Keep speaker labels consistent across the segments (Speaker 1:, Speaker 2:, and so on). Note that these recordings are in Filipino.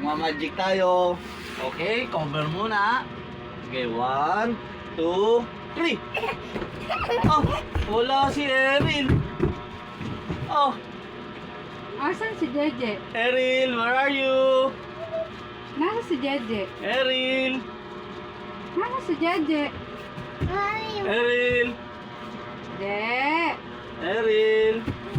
Speaker 1: Magmamagic tayo. Okay, cover muna. Okay, 1, 2, 3. Oh, wala si Erin. Oh,
Speaker 2: Asan si Jeje?
Speaker 1: Erin, where are you?
Speaker 2: Nasa si Jeje?
Speaker 1: Erin,
Speaker 2: Nasa si Jeje?
Speaker 1: Erin,
Speaker 2: De.
Speaker 1: Erin,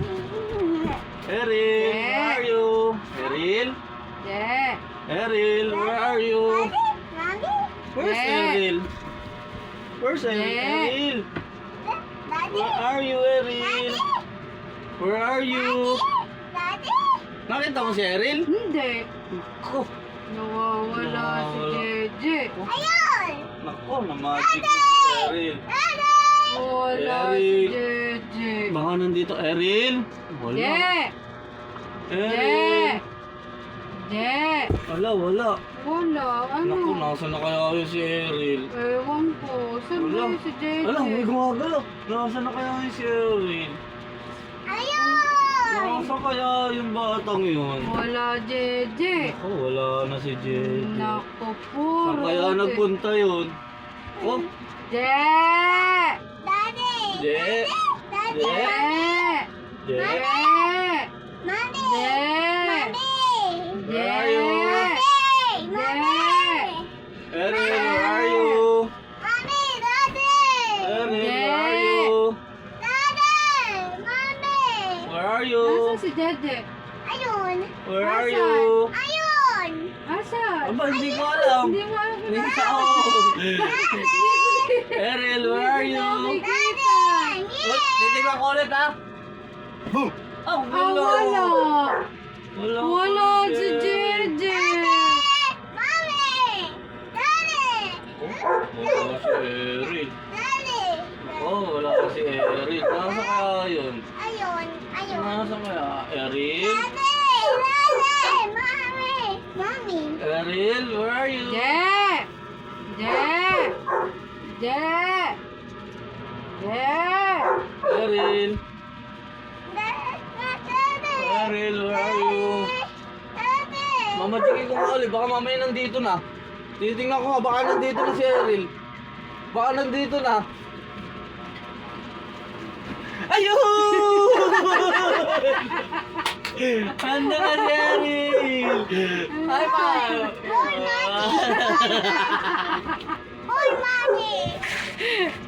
Speaker 1: Erin, where are you? Erin,
Speaker 2: De.
Speaker 1: Erin, where are you? Where's
Speaker 2: Yeah.
Speaker 1: Erin? Where's Erin?
Speaker 2: Yeah.
Speaker 1: Erin? Where are you, Erin? Where are you? Nakita mo si Erin?
Speaker 2: Hindi.
Speaker 1: Ako.
Speaker 2: Nawawala si Jeje.
Speaker 1: Nako, na-magic na si Erin.
Speaker 2: Wala si
Speaker 1: Erin.
Speaker 2: Jeje.
Speaker 1: Baka nandito, Erin? Wala.
Speaker 2: De.
Speaker 1: Erin.
Speaker 2: De.
Speaker 1: Wala, wala.
Speaker 2: Wala. Ano?
Speaker 1: Naku, nasa na kaya yun si Erin?
Speaker 2: Ewan ko. Saan ba
Speaker 1: Wala.
Speaker 2: yun si Jeje?
Speaker 1: Wala, may gumagalaw. Nasa na kaya yun si Erin? Nasa kaya yung batang yun?
Speaker 2: Wala Jeje.
Speaker 1: Naku, wala na si Jeje.
Speaker 2: Naku, puro.
Speaker 1: Saan kaya nagpunta yun? Oh,
Speaker 2: Je.
Speaker 1: Je.
Speaker 2: Je.
Speaker 1: Je.
Speaker 2: Je.
Speaker 1: Where are you? Erin, where are you? Erin, where are you? Where are you?
Speaker 2: Nasaan si Jeje?
Speaker 1: Where are you?
Speaker 2: Asan?
Speaker 1: Aba, hindi ko alam.
Speaker 2: Hindi mo alam.
Speaker 1: Hindi ko alam. Erin, where are you?
Speaker 2: Nakikita.
Speaker 1: Titignan ko ulit, ha? Boom! Oh,
Speaker 2: Ah, wala.
Speaker 1: Wala.
Speaker 2: Wala si Jeje.
Speaker 1: Wala si Erin. Oh, wala si Erin. Nasa kaya yun? Nasa kaya? Erin? Erin, where are you?
Speaker 2: Je. Je. Je. Je.
Speaker 1: Erin? Erin, where are you? Mamajikin ko nga ulit. Baka mamaya nandito na. Titingnan ko nga. Baka nandito na si Erin. Baka nandito na. Ayun! Handa na si Erin! Ay, pa!
Speaker 3: Boy, Mommy!